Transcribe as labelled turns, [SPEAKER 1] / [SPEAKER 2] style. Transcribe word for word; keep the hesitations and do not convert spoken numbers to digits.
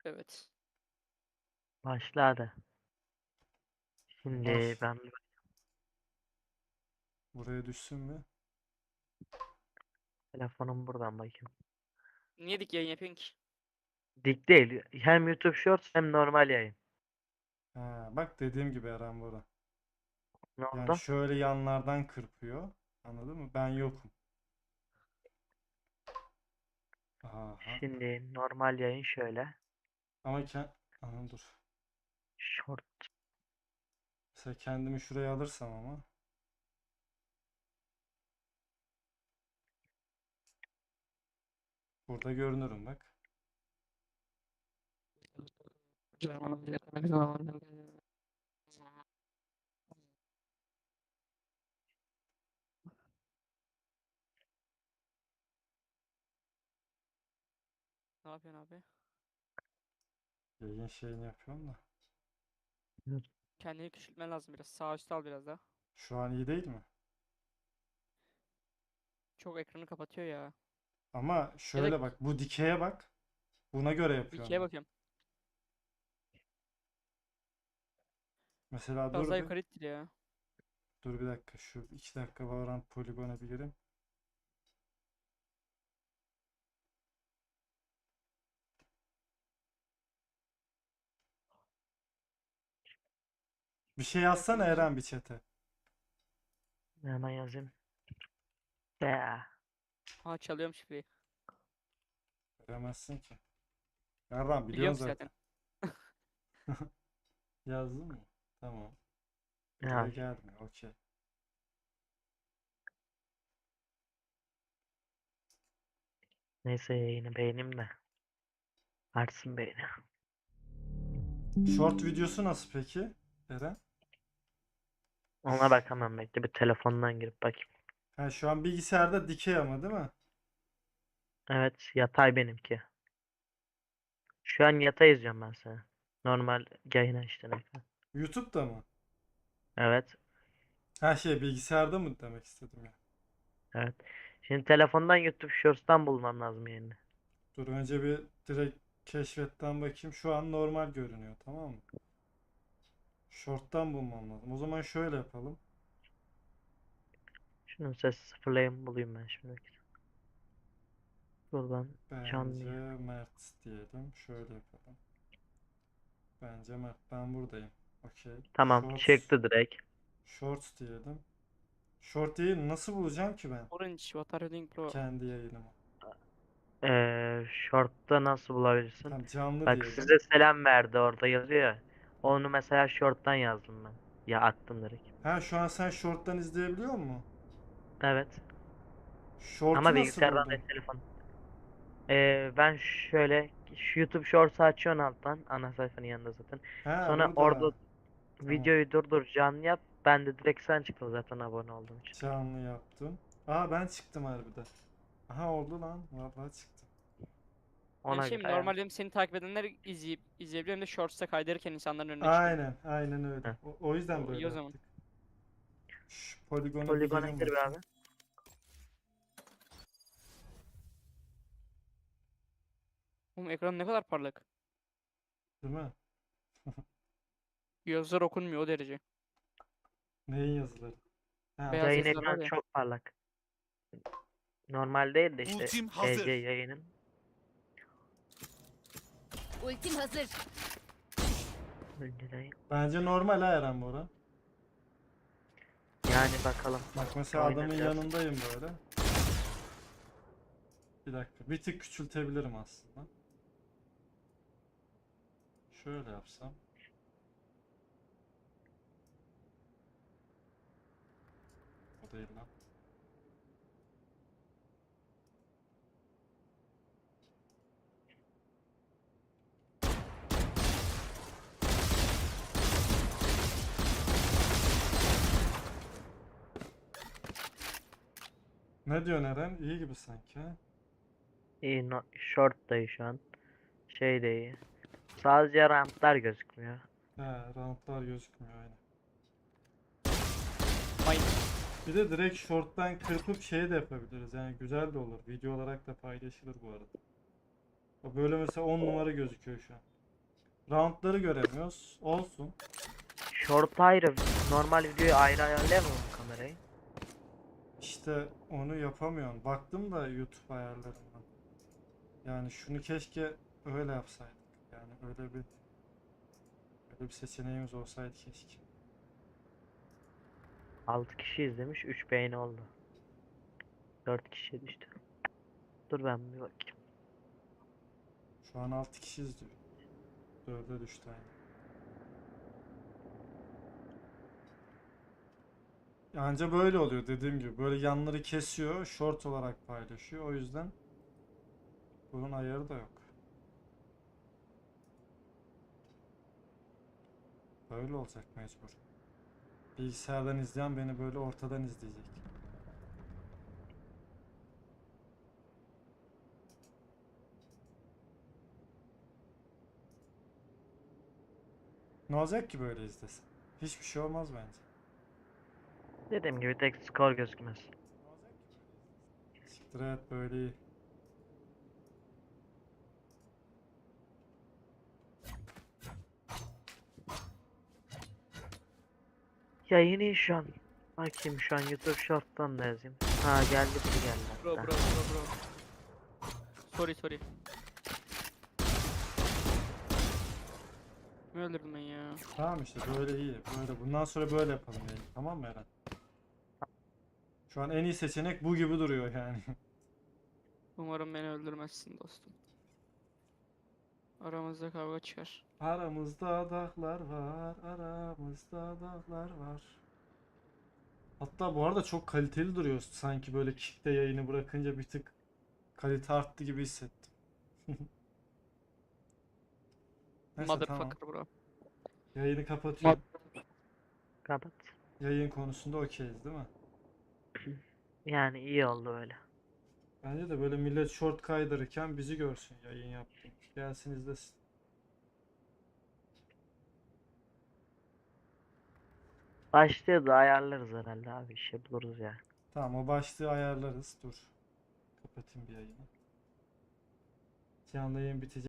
[SPEAKER 1] Evet.
[SPEAKER 2] Başladı. Şimdi
[SPEAKER 3] Baş.
[SPEAKER 2] ben
[SPEAKER 3] Buraya düşsün mü?
[SPEAKER 2] telefonum buradan bakayım.
[SPEAKER 1] Niye dik yayın yapıyorsun ki?
[SPEAKER 2] Dik değil. Hem YouTube Shorts hem normal yayın.
[SPEAKER 3] Ha, bak dediğim gibi Eren Bora.
[SPEAKER 2] Ne
[SPEAKER 3] Yani
[SPEAKER 2] oldu?
[SPEAKER 3] şöyle yanlardan kırpıyor. Anladın mı? Ben yokum. Aha.
[SPEAKER 2] Şimdi normal yayın şöyle.
[SPEAKER 3] Ama ken... Aha, dur.
[SPEAKER 2] Short.
[SPEAKER 3] Mesela kendimi şuraya alırsam ama. Burada görünürüm bak.
[SPEAKER 1] Ne yapıyorsun abi?
[SPEAKER 3] Yayın şeyini yapıyorum da.
[SPEAKER 1] Kendini küçültmen lazım biraz. Sağ üstte al biraz daha.
[SPEAKER 3] Şu an iyi değil mi?
[SPEAKER 1] Çok ekranı kapatıyor ya.
[SPEAKER 3] Ama
[SPEAKER 1] Ya da
[SPEAKER 3] şöyle bak. Bu dikeye bak. Buna göre yapıyorum
[SPEAKER 1] ikiye
[SPEAKER 3] ben.
[SPEAKER 1] bakıyorum.
[SPEAKER 3] Mesela
[SPEAKER 1] Biraz daha
[SPEAKER 3] dur bir.
[SPEAKER 1] yukarı ittir ya.
[SPEAKER 3] Dur bir dakika. Şu iki dakika Valorant poligona bir gireyim. Bir şey
[SPEAKER 1] Bir dakika
[SPEAKER 3] yazsana
[SPEAKER 1] gireceğim.
[SPEAKER 3] Eren bir chat'e.
[SPEAKER 2] Hemen yazayım. Be.
[SPEAKER 1] Ha çalıyorum şifreyi.
[SPEAKER 3] Veremezsin ki. Eren
[SPEAKER 1] Biliyorum
[SPEAKER 3] biliyorsun
[SPEAKER 1] ki zaten.
[SPEAKER 3] zaten. Yazdın mı? Tamam. Buraya
[SPEAKER 2] Ya,
[SPEAKER 3] gelmiyor. Okey.
[SPEAKER 2] neyse yayını beğeneyim de. Artsın beğeni.
[SPEAKER 3] Short videosu nasıl peki Eren?
[SPEAKER 2] Ona bakamam, bekle bir telefondan girip bakayım.
[SPEAKER 3] Ha, şu an bilgisayarda dikey ama değil mi?
[SPEAKER 2] Evet, yatay benimki. Şu an yatay izliyorum ben seni. Normal yayın açtın ekran.
[SPEAKER 3] YouTube'da mı?
[SPEAKER 2] Evet.
[SPEAKER 3] Her şey bilgisayarda mı demek istedim ya.
[SPEAKER 2] Evet. Şimdi telefondan YouTube Shorts'tan bulmam lazım yayını.
[SPEAKER 3] Dur önce bir direkt keşfetten bakayım. Şu an normal görünüyor, tamam mı? Short'tan bulmam lazım. O zaman şöyle yapalım.
[SPEAKER 2] Şunun ses sıfırlayayım, bulayım ben şimdi. Buradan canlı
[SPEAKER 3] Bence
[SPEAKER 2] yayın.
[SPEAKER 3] Mert diyelim. Şöyle yapalım. Bence Mert. Ben buradayım. Okey.
[SPEAKER 2] Tamam,
[SPEAKER 3] Shorts.
[SPEAKER 2] çıktı direkt.
[SPEAKER 3] Shorts diyelim. Short yayını nasıl bulacağım ki ben?
[SPEAKER 1] Orange, what are you doing bro?
[SPEAKER 3] Kendi yayınımı.
[SPEAKER 2] Ee, short'ta nasıl bulabilirsin?
[SPEAKER 3] Tam canlı
[SPEAKER 2] Bak,
[SPEAKER 3] diyelim.
[SPEAKER 2] size selam verdi orada yazıyor ya. Onu mesela short'tan yazdım ben. Ya attım direkt.
[SPEAKER 3] Ha, şu an sen short'tan izleyebiliyor musun?
[SPEAKER 2] Evet.
[SPEAKER 3] Short'u
[SPEAKER 2] Ama
[SPEAKER 3] nasıl
[SPEAKER 2] bilgisayardan
[SPEAKER 3] buldun?
[SPEAKER 2] değil, telefon. Ee, ben şöyle şu YouTube Shorts'u açıyorsun alttan. Ana sayfanın yanında zaten.
[SPEAKER 3] Ha,
[SPEAKER 2] Sonra orada
[SPEAKER 3] burada. Tamam.
[SPEAKER 2] videoyu durdur, canlı yap. Ben de direkt sen çıktın zaten abone olduğum için.
[SPEAKER 3] Canlı yaptım. Aa, ben çıktım harbiden. Aha, oldu lan. Vallahi çıktım.
[SPEAKER 1] Yani
[SPEAKER 2] Ona
[SPEAKER 1] şey mi,
[SPEAKER 2] göre ayarla.
[SPEAKER 1] normalde hem seni takip edenler izleyip izleyebiliyor hem de shorts'a kaydırırken insanların önüne çıkıyor.
[SPEAKER 3] Aynen. Aynen öyle.
[SPEAKER 2] Heh.
[SPEAKER 3] O, o yüzden
[SPEAKER 1] O iyi
[SPEAKER 3] böyle
[SPEAKER 1] o zaman.
[SPEAKER 3] yaptık. Şu poligona bir
[SPEAKER 2] Poligona
[SPEAKER 3] gireyim
[SPEAKER 2] gir be
[SPEAKER 3] bakayım.
[SPEAKER 2] abi.
[SPEAKER 1] Oğlum ekran ne kadar parlak.
[SPEAKER 3] Değil mi?
[SPEAKER 1] Yazılar okunmuyor o derece.
[SPEAKER 3] Neyin yazıları? Ha,
[SPEAKER 1] Beyaz
[SPEAKER 2] Yayın
[SPEAKER 1] yazılar var
[SPEAKER 2] ekranı
[SPEAKER 1] ya.
[SPEAKER 2] çok parlak. Normal değil de işte
[SPEAKER 4] Ultim
[SPEAKER 2] E C
[SPEAKER 4] hazır.
[SPEAKER 2] yayının.
[SPEAKER 5] Ultim hazır.
[SPEAKER 2] Önceden.
[SPEAKER 3] bence normal ha Eren Bora.
[SPEAKER 2] Yani bakalım.
[SPEAKER 3] Bak mesela
[SPEAKER 2] Oyna
[SPEAKER 3] adamın
[SPEAKER 2] biraz.
[SPEAKER 3] yanındayım böyle. Bir dakika. Bir tık küçültebilirim aslında. Şöyle yapsam. O değil lan. Ne diyorsun Eren? İyi gibi sanki ha?
[SPEAKER 2] İyi, no, short da iyi şu an. Şey de iyi. Sadece ramplar gözükmüyor.
[SPEAKER 3] He, roundlar gözükmüyor aynen.
[SPEAKER 1] Aynen.
[SPEAKER 3] Bir de direkt short'tan kırpıp şey de yapabiliriz. Yani güzel de olur. Video olarak da paylaşılır bu arada. O böyle mesela on numara gözüküyor şu an. Roundları göremiyoruz. Olsun.
[SPEAKER 2] Short ayrı. Normal videoyu ayrı ayarlayamam mı kamerayı?
[SPEAKER 3] İşte onu yapamıyorum. Baktım da YouTube ayarlarından. Yani şunu keşke öyle yapsaydık. Yani öyle bir öyle bir seçeneğimiz olsaydı keşke.
[SPEAKER 2] altı kişi izlemiş. üç beğeni oldu. dört kişi düştü. Dur ben bir bakayım.
[SPEAKER 3] Şu an altı kişi izliyor. dörde düştü aynı. Anca böyle oluyor dediğim gibi. Böyle yanları kesiyor, short olarak paylaşıyor. O yüzden bunun ayarı da yok. Böyle olacak mecbur. Bilgisayardan izleyen beni böyle ortadan izleyecek. Ne olacak ki böyle izlesin? Hiçbir şey olmaz bence.
[SPEAKER 2] Dediğim gibi tek skor gözükmez.
[SPEAKER 3] Siktir et böyle iyi.
[SPEAKER 2] Yayını iyi şu an. Bakayım şu an YouTube Short'tan da yazayım. Ha geldi biri geldi
[SPEAKER 1] Bro bro
[SPEAKER 2] hatta.
[SPEAKER 1] bro bro. Sorry sorry. Ne öldürdüm ben ya?
[SPEAKER 3] Tamam işte böyle iyi. Böyle bundan sonra böyle yapalım yani. Tamam mı Eren? Şu an en iyi seçenek bu gibi duruyor yani.
[SPEAKER 1] Umarım beni öldürmezsin dostum. Aramızda kavga çıkar.
[SPEAKER 3] Aramızda dağlar var, aramızda dağlar var. Hatta bu arada çok kaliteli duruyor. Sanki böyle Kick'te yayını bırakınca bir tık kalite arttı gibi hissettim. Neyse tamam.
[SPEAKER 1] Motherfucker bro.
[SPEAKER 3] Yayını kapatıyorum.
[SPEAKER 2] Kapat.
[SPEAKER 3] Yayın konusunda okeyiz değil mi?
[SPEAKER 2] Yani iyi oldu öyle.
[SPEAKER 3] Bence de böyle millet short kaydırırken bizi görsün yayın yaptım. Gelsin izlesin.
[SPEAKER 2] Başlığı da ayarlarız herhalde abi. Bir şey buluruz ya.
[SPEAKER 3] Tamam o başlığı ayarlarız. Dur. Kapatayım bir yayını. Canlı yayın bitecek.